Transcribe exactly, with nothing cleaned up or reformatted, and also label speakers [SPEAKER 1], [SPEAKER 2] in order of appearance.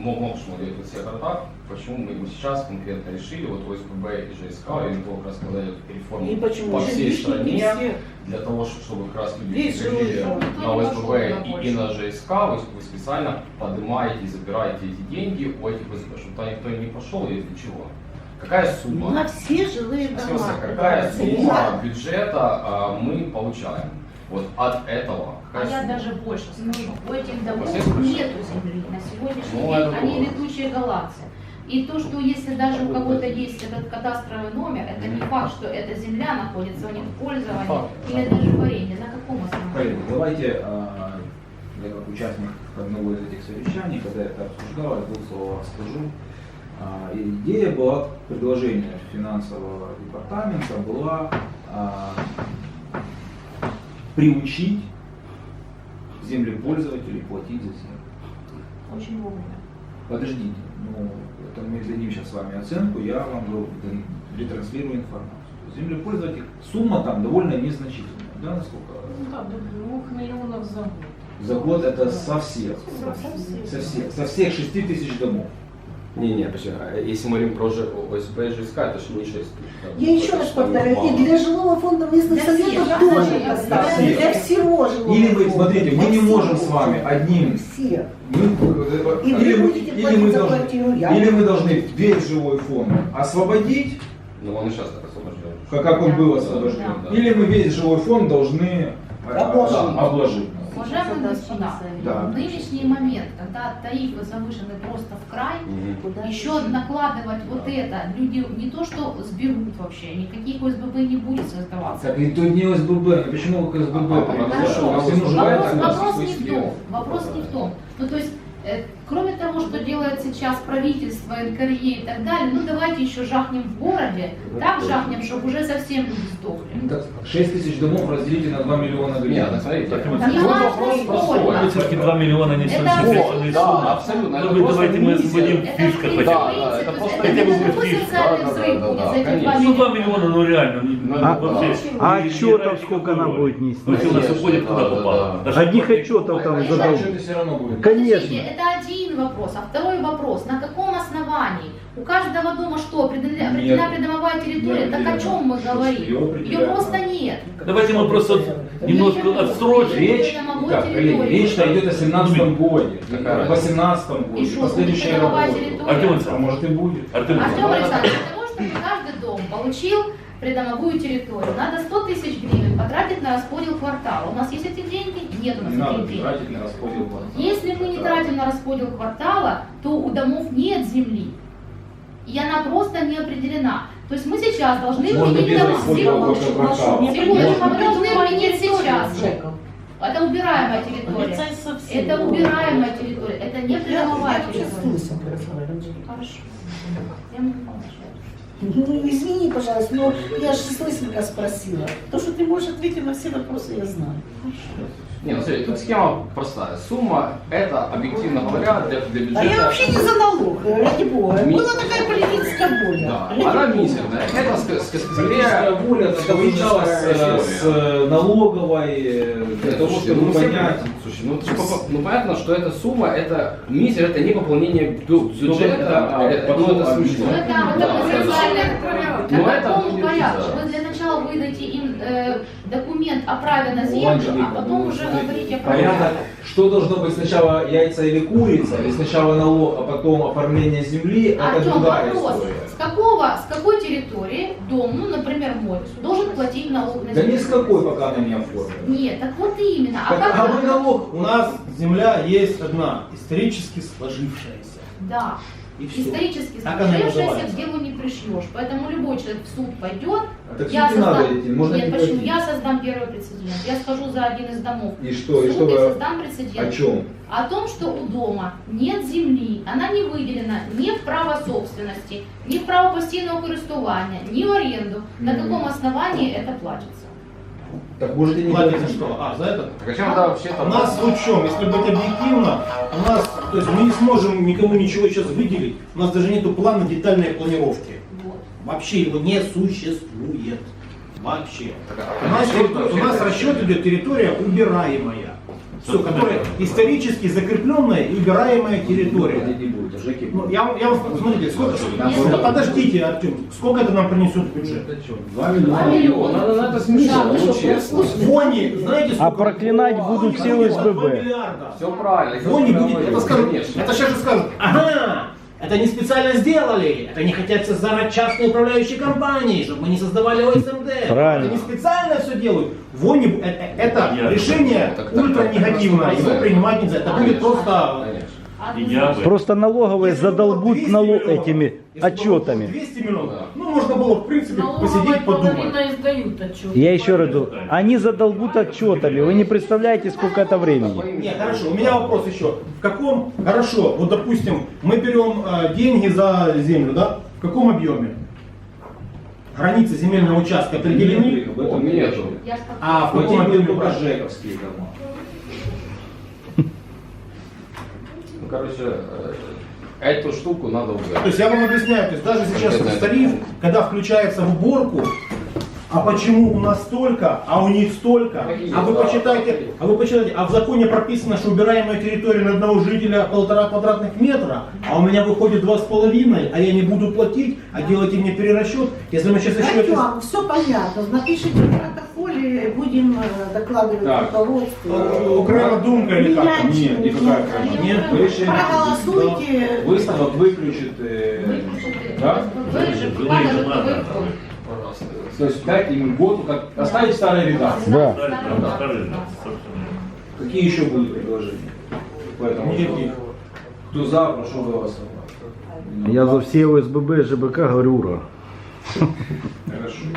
[SPEAKER 1] мог, мог смотреть вот все города, почему мы его сейчас конкретно решили, вот ОСББ и ЖСК, или как раз когда идет реформа
[SPEAKER 2] И почему?
[SPEAKER 1] по всей
[SPEAKER 2] Лишние
[SPEAKER 1] стране,
[SPEAKER 2] все.
[SPEAKER 1] для того, чтобы как раз люди
[SPEAKER 2] Весь
[SPEAKER 1] приходили
[SPEAKER 2] жилой фонд.
[SPEAKER 1] на ОСББ и, и на ЖСК, вы, вы специально поднимаете и забираете эти деньги у этих ОСББ, чтобы туда никто не пошел, и для чего? Какая сумма?
[SPEAKER 2] На все жилые
[SPEAKER 1] В
[SPEAKER 2] дома.
[SPEAKER 1] смысле, какая сумма бюджета а, мы получаем вот от этого?
[SPEAKER 3] А
[SPEAKER 1] Какая
[SPEAKER 3] я
[SPEAKER 1] сумма?
[SPEAKER 3] даже больше скажу. У этих домов
[SPEAKER 1] Процесс происходит.
[SPEAKER 3] нету земли на сегодняшний
[SPEAKER 1] Ну,
[SPEAKER 3] день,
[SPEAKER 1] это
[SPEAKER 3] они
[SPEAKER 1] было.
[SPEAKER 3] летучие голландцы. И то, что если даже у кого-то есть этот кадастровый номер, это не факт, что эта земля находится у них в пользовании
[SPEAKER 1] Факт.
[SPEAKER 3] или даже в аренде. На каком основании?
[SPEAKER 4] Коллеги, давайте, а, я как участник одного из этих совещаний, когда это обсуждалось, двух словах скажу. А, Идея была, предложение финансового департамента была а, приучить землепользователей платить за землю.
[SPEAKER 3] Очень вовремя.
[SPEAKER 4] Подождите, ну, это мы дадим сейчас с вами оценку, я вам говорю, ретранслирую информацию. Землепользователь, сумма там довольно незначительная, да, насколько?
[SPEAKER 5] Ну да, до двух миллионов за год.
[SPEAKER 4] За год это со всех,
[SPEAKER 5] Совсем.
[SPEAKER 4] со всех, со всех шести тысяч домов.
[SPEAKER 1] Не-не, почему? Если мы говорим про Ж- ОСБ и ЖСК, это же не шесть тысяч.
[SPEAKER 2] Я еще раз повторяю, и для жилого фонда местных
[SPEAKER 3] Для всех,
[SPEAKER 2] советов
[SPEAKER 3] да,
[SPEAKER 2] тоже
[SPEAKER 3] для
[SPEAKER 2] поставили.
[SPEAKER 4] всех.
[SPEAKER 2] Для всего жилого
[SPEAKER 4] Или вы,
[SPEAKER 2] фонда.
[SPEAKER 4] смотрите, мы
[SPEAKER 2] Для
[SPEAKER 4] не
[SPEAKER 2] всего.
[SPEAKER 4] можем с вами одним,
[SPEAKER 2] Все.
[SPEAKER 4] мы,
[SPEAKER 2] И вы
[SPEAKER 4] или, мы,
[SPEAKER 2] будете
[SPEAKER 4] или,
[SPEAKER 2] платить
[SPEAKER 4] мы
[SPEAKER 2] за
[SPEAKER 4] должны,
[SPEAKER 2] квартиру, я.
[SPEAKER 4] или мы должны весь жилой фонд освободить,
[SPEAKER 1] Ну он и сейчас так освобожден.
[SPEAKER 4] как, как он
[SPEAKER 3] Да.
[SPEAKER 4] был освобожден,
[SPEAKER 1] Да.
[SPEAKER 4] или мы весь жилой фонд должны э,
[SPEAKER 2] Обложить.
[SPEAKER 4] да, обложить.
[SPEAKER 3] Уважаемые господа,
[SPEAKER 4] Да.
[SPEAKER 3] в нынешний момент, когда тарифы завышены просто в край,
[SPEAKER 1] Мгм.
[SPEAKER 3] еще накладывать вот это, люди не то что сберут вообще, никаких ОСББ не будет создаваться.
[SPEAKER 4] Так и тут не ОСББ, а почему вы к ОСББ?
[SPEAKER 1] А,
[SPEAKER 4] Потому
[SPEAKER 1] хорошо.
[SPEAKER 4] что
[SPEAKER 1] Вопрос-
[SPEAKER 4] всему желают,
[SPEAKER 3] Вопрос,
[SPEAKER 4] а
[SPEAKER 3] вопрос
[SPEAKER 4] вы
[SPEAKER 3] не в
[SPEAKER 4] себе.
[SPEAKER 3] том, вопрос не в том. Ну то есть, э, кроме того, что делает сейчас правительство, эн ка эр е и так далее, ну давайте еще жахнем в городе, так жахнем, чтобы уже совсем люди сдохли.
[SPEAKER 4] Ну, так, шесть тысяч домов разделите на два миллиона
[SPEAKER 1] Нет,
[SPEAKER 4] гривен.
[SPEAKER 1] так смотрите,
[SPEAKER 6] Так,
[SPEAKER 1] вот
[SPEAKER 3] так не важно,
[SPEAKER 1] вопрос
[SPEAKER 3] сколько.
[SPEAKER 1] простой.
[SPEAKER 6] Все-таки два миллиона не
[SPEAKER 3] Это
[SPEAKER 6] существенные
[SPEAKER 3] абсолютно
[SPEAKER 1] Да,
[SPEAKER 6] суммы.
[SPEAKER 1] абсолютно.
[SPEAKER 6] Ну,
[SPEAKER 1] Это
[SPEAKER 6] вы
[SPEAKER 1] просто
[SPEAKER 6] давайте мы
[SPEAKER 1] миссия.
[SPEAKER 6] освободим
[SPEAKER 3] Это
[SPEAKER 6] фишка
[SPEAKER 3] принцип,
[SPEAKER 6] хотя бы.
[SPEAKER 1] Да, да, это
[SPEAKER 3] то
[SPEAKER 1] просто
[SPEAKER 3] есть
[SPEAKER 6] хотя бы
[SPEAKER 3] это не
[SPEAKER 6] будет
[SPEAKER 3] такой
[SPEAKER 6] фишка.
[SPEAKER 3] социальный
[SPEAKER 1] Да, да,
[SPEAKER 3] взрыв
[SPEAKER 1] да,
[SPEAKER 3] будет
[SPEAKER 1] да,
[SPEAKER 3] за эти
[SPEAKER 1] конечно.
[SPEAKER 3] два
[SPEAKER 6] Ну, два
[SPEAKER 3] миллиона.
[SPEAKER 6] миллиона, ну реально. не-
[SPEAKER 1] Ну,
[SPEAKER 6] ну,
[SPEAKER 1] да.
[SPEAKER 6] вообще,
[SPEAKER 7] А
[SPEAKER 6] не-
[SPEAKER 7] отчетов
[SPEAKER 6] не
[SPEAKER 7] сколько она
[SPEAKER 6] никакой.
[SPEAKER 7] будет нести?
[SPEAKER 6] Ну, если у нас
[SPEAKER 1] Конечно,
[SPEAKER 6] уходит,
[SPEAKER 1] да,
[SPEAKER 6] куда
[SPEAKER 1] да,
[SPEAKER 6] попало.
[SPEAKER 1] да.
[SPEAKER 6] Даже
[SPEAKER 7] Одних
[SPEAKER 6] платить-
[SPEAKER 7] отчетов там
[SPEAKER 3] Конечно.
[SPEAKER 7] задал.
[SPEAKER 4] Отчеты все равно будет.
[SPEAKER 7] Конечно.
[SPEAKER 3] Подождите, это один вопрос. А второй вопрос, на каком основании? У каждого дома что, определена, определена придомовая территория?
[SPEAKER 4] Не
[SPEAKER 3] Так о чем мы
[SPEAKER 4] определена.
[SPEAKER 3] говорим?
[SPEAKER 4] Ее
[SPEAKER 3] Ее
[SPEAKER 4] определяют,
[SPEAKER 3] просто
[SPEAKER 4] да.
[SPEAKER 3] нет.
[SPEAKER 6] Давайте мы просто немножко отсрочим.
[SPEAKER 4] Речь,
[SPEAKER 3] Придомовой
[SPEAKER 4] так, коллеги,
[SPEAKER 3] территории.
[SPEAKER 4] речь-то идет о семнадцатом годе,
[SPEAKER 1] Какая
[SPEAKER 4] о восемнадцатом годе,
[SPEAKER 3] И что,
[SPEAKER 4] последующая
[SPEAKER 3] придомовая
[SPEAKER 4] работа.
[SPEAKER 3] территория?
[SPEAKER 6] Артем
[SPEAKER 4] А
[SPEAKER 6] Александрович,
[SPEAKER 4] может и будет.
[SPEAKER 6] Артем
[SPEAKER 3] Артем
[SPEAKER 6] Александрович,
[SPEAKER 3] Александрович, для того, чтобы каждый дом получил придомовую территорию, надо сто тысяч гривен потратить на расподел квартала. У нас есть эти деньги? Нет у нас
[SPEAKER 4] Не надо
[SPEAKER 3] этих денег.
[SPEAKER 4] тратить на расподел квартала.
[SPEAKER 3] Если мы не тратим на расподел квартала, то у домов нет земли. И она просто не определена. То есть мы сейчас должны
[SPEAKER 4] Можно
[SPEAKER 3] применить
[SPEAKER 4] без
[SPEAKER 3] домов.
[SPEAKER 4] расподела
[SPEAKER 3] Секундочку,
[SPEAKER 4] квартала.
[SPEAKER 3] секундочку, мы
[SPEAKER 4] Можно.
[SPEAKER 3] должны применить сейчас.
[SPEAKER 2] Жеком.
[SPEAKER 3] Это убираемая территория.
[SPEAKER 5] Полицай совсем.
[SPEAKER 3] Это убираемая территория. Это не
[SPEAKER 2] Я,
[SPEAKER 3] придомовая
[SPEAKER 2] я вообще
[SPEAKER 3] территория.
[SPEAKER 2] смысл разговаривать.
[SPEAKER 3] Хорошо. Я могу помочь.
[SPEAKER 2] Ну, извини, пожалуйста, но я же слышника спросила. То, что ты можешь ответить на все вопросы, я знаю.
[SPEAKER 1] Не, ну смотри, тут схема простая. Сумма это, объективно говоря, для, для бюджета.
[SPEAKER 2] А я вообще не за налог, ради бога.
[SPEAKER 1] Ми-
[SPEAKER 2] Была такая политическая воля.
[SPEAKER 1] Да,
[SPEAKER 2] Ради
[SPEAKER 1] она
[SPEAKER 2] бога.
[SPEAKER 1] мизерная. Это ск- ск-
[SPEAKER 4] Политическая
[SPEAKER 1] скорее
[SPEAKER 4] воля совмещалась
[SPEAKER 1] история.
[SPEAKER 4] с э, налоговой, э, для того,
[SPEAKER 1] Слушайте,
[SPEAKER 4] чтобы
[SPEAKER 1] ну, все
[SPEAKER 4] понять.
[SPEAKER 1] понятно. Слушай, ну, это ж попо- ну понятно, что эта сумма, это мизер, это не пополнение бю- бюджета,
[SPEAKER 4] это, а,
[SPEAKER 1] это, ну,
[SPEAKER 4] потом
[SPEAKER 1] это
[SPEAKER 4] объясню.
[SPEAKER 1] смешно.
[SPEAKER 3] Ну, это, это
[SPEAKER 1] Да,
[SPEAKER 3] мы
[SPEAKER 1] это-
[SPEAKER 3] социальная
[SPEAKER 1] Ну,
[SPEAKER 3] На
[SPEAKER 1] это
[SPEAKER 3] каком
[SPEAKER 1] будет,
[SPEAKER 3] порядке?
[SPEAKER 1] да.
[SPEAKER 3] Вы для начала выдайте им э, документ о праве на
[SPEAKER 4] Ну,
[SPEAKER 3] землю,
[SPEAKER 4] Анжелика,
[SPEAKER 3] а потом
[SPEAKER 4] ну,
[SPEAKER 3] уже
[SPEAKER 4] смотрите,
[SPEAKER 3] говорите о
[SPEAKER 4] порядок.
[SPEAKER 3] праве.
[SPEAKER 4] Что должно быть сначала, яйца или курица, или сначала налог, а потом оформление земли, это
[SPEAKER 3] Артем,
[SPEAKER 4] другая
[SPEAKER 3] вопрос.
[SPEAKER 4] история.
[SPEAKER 3] С какого, с какой территории дом, ну, например, мой, должен платить налог на
[SPEAKER 4] Да
[SPEAKER 3] землю?
[SPEAKER 4] ни с какой, пока она не оформлена.
[SPEAKER 3] Нет, так вот именно. А
[SPEAKER 4] Так,
[SPEAKER 3] как
[SPEAKER 4] а вы налог,
[SPEAKER 8] У нас земля есть одна, исторически сложившаяся.
[SPEAKER 3] Да.
[SPEAKER 8] И все.
[SPEAKER 3] Исторически
[SPEAKER 8] Так она
[SPEAKER 3] сложившееся
[SPEAKER 8] называется.
[SPEAKER 3] к делу не пришьешь. Поэтому любой человек в суд пойдет.
[SPEAKER 4] Так
[SPEAKER 3] Я
[SPEAKER 4] суд не надо
[SPEAKER 3] создам...
[SPEAKER 4] идти, можно
[SPEAKER 3] Нет,
[SPEAKER 4] не
[SPEAKER 3] почему?
[SPEAKER 4] платить.
[SPEAKER 3] Я создам первый прецедент. Я скажу за один из домов.
[SPEAKER 4] И что, и
[SPEAKER 3] в
[SPEAKER 4] что
[SPEAKER 3] суд и
[SPEAKER 4] вы,
[SPEAKER 3] создам прецедент.
[SPEAKER 4] о чем?
[SPEAKER 3] О том, что у дома нет земли, она не выделена ни в право собственности, ни в право постійного користування, ни в аренду. На
[SPEAKER 4] Мгм.
[SPEAKER 3] каком основании это платится?
[SPEAKER 4] Так можете не
[SPEAKER 8] Платить за
[SPEAKER 4] платить.
[SPEAKER 8] что? А, за это?
[SPEAKER 1] Так а чем тогда вообще
[SPEAKER 8] У нас в чем? Если быть объективно, у нас, то есть мы не сможем никому ничего сейчас выделить. У нас даже нету плана детальной планировки.
[SPEAKER 3] Вот.
[SPEAKER 8] Вообще его не существует. Вообще.
[SPEAKER 1] Так, а
[SPEAKER 8] У нас,
[SPEAKER 1] расчет
[SPEAKER 8] у нас
[SPEAKER 1] вообще-
[SPEAKER 8] расчет идет территория убираемая. Все, которая исторически закрепленная и убираемая территория.
[SPEAKER 4] Платить не будет, а ЖЭКи
[SPEAKER 8] Ну,
[SPEAKER 4] будут.
[SPEAKER 8] я, вам- я вам скажу, смотрите, сколько,
[SPEAKER 3] Нет.
[SPEAKER 8] подождите, Артем, сколько это нам принесет в бюджет?
[SPEAKER 4] Два миллиона.
[SPEAKER 3] Два миллиона.
[SPEAKER 1] Надо, надо смешно,
[SPEAKER 2] Да, вы
[SPEAKER 1] ну
[SPEAKER 2] что,
[SPEAKER 1] честно.
[SPEAKER 2] послушали?
[SPEAKER 8] Вони, знаете, сколько?
[SPEAKER 7] А проклинать будут все
[SPEAKER 8] Два
[SPEAKER 7] ОСББ.
[SPEAKER 8] миллиарда.
[SPEAKER 1] Все правильно.
[SPEAKER 8] Вони
[SPEAKER 1] я
[SPEAKER 8] будет,
[SPEAKER 1] говорю,
[SPEAKER 8] это скажут,
[SPEAKER 1] конечно.
[SPEAKER 8] это сейчас же скажут, ага, это не специально сделали, это не хотят создавать частные управляющие компании, чтобы мы не создавали ОСМД.
[SPEAKER 7] Правильно.
[SPEAKER 8] Это не специально все делают. Вони, бу- э- э- это
[SPEAKER 6] Я-
[SPEAKER 8] решение
[SPEAKER 1] Так, так,
[SPEAKER 8] ультра
[SPEAKER 1] так,
[SPEAKER 8] негативное,
[SPEAKER 1] так,
[SPEAKER 8] его
[SPEAKER 1] так.
[SPEAKER 8] принимать нельзя. Это будет
[SPEAKER 1] Конечно,
[SPEAKER 8] просто...
[SPEAKER 1] конечно.
[SPEAKER 3] А,
[SPEAKER 6] И я бы.
[SPEAKER 7] Просто налоговые
[SPEAKER 8] Если бы было
[SPEAKER 7] задолбут
[SPEAKER 8] двести
[SPEAKER 7] нало
[SPEAKER 8] миллионов,
[SPEAKER 7] этими
[SPEAKER 8] если бы было
[SPEAKER 7] отчетами.
[SPEAKER 8] двести миллионов,
[SPEAKER 1] Да.
[SPEAKER 8] ну можно было в принципе посидеть, подумать.
[SPEAKER 5] половина издают отчет.
[SPEAKER 7] Я еще раз говорю, они задолбут отчетами. Вы не представляете, сколько это времени.
[SPEAKER 8] Нет, хорошо, у меня вопрос еще. В каком, хорошо, вот допустим, мы берем э, деньги за землю, да? В каком объеме? Границы земельного участка определены?
[SPEAKER 4] В этом
[SPEAKER 1] Нету.
[SPEAKER 4] нету.
[SPEAKER 3] я ж так-
[SPEAKER 8] А в каком
[SPEAKER 4] Платить
[SPEAKER 8] объеме?
[SPEAKER 4] будут только ЖЭКовские дома.
[SPEAKER 1] Ну, короче, э, эту штуку надо
[SPEAKER 8] То
[SPEAKER 1] убрать.
[SPEAKER 8] есть я вам объясняю, то есть даже сейчас
[SPEAKER 1] Конкретно
[SPEAKER 8] в тариф, когда включается в уборку, а почему у нас столько, а у них столько? А вы почитайте, а вы почитайте, а в законе прописано, что убираемая территория на одного жителя полтора квадратных метра, а у меня выходит два с половиной, а я не буду платить, а делайте мне перерасчет. Если мы сейчас еще...
[SPEAKER 2] Артем, все понятно. Напишите в протоколе, будем э, докладывать
[SPEAKER 1] Так.
[SPEAKER 2] руководству.
[SPEAKER 8] Окрема думка или как? там?
[SPEAKER 4] Нет, никакая окрема.
[SPEAKER 8] Нет,
[SPEAKER 4] Решение.
[SPEAKER 2] Проголосуйте.
[SPEAKER 4] Выставок выключит. э,
[SPEAKER 3] Выключите.
[SPEAKER 4] Да?
[SPEAKER 3] Вырежет,
[SPEAKER 6] Вы
[SPEAKER 3] покажет,
[SPEAKER 6] же
[SPEAKER 3] что
[SPEAKER 6] надо.
[SPEAKER 3] вы-
[SPEAKER 1] Пожалуйста.
[SPEAKER 4] То есть дать им год, как оставить старые редакции.
[SPEAKER 7] Да.
[SPEAKER 6] Оставили, собственно.
[SPEAKER 4] Какие еще будут предложения? Поэтому
[SPEAKER 8] Никаких.
[SPEAKER 4] кто за, прошу голосовать.
[SPEAKER 7] Я за все ОСББ и ЖБК говорю ура.
[SPEAKER 4] Хорошо.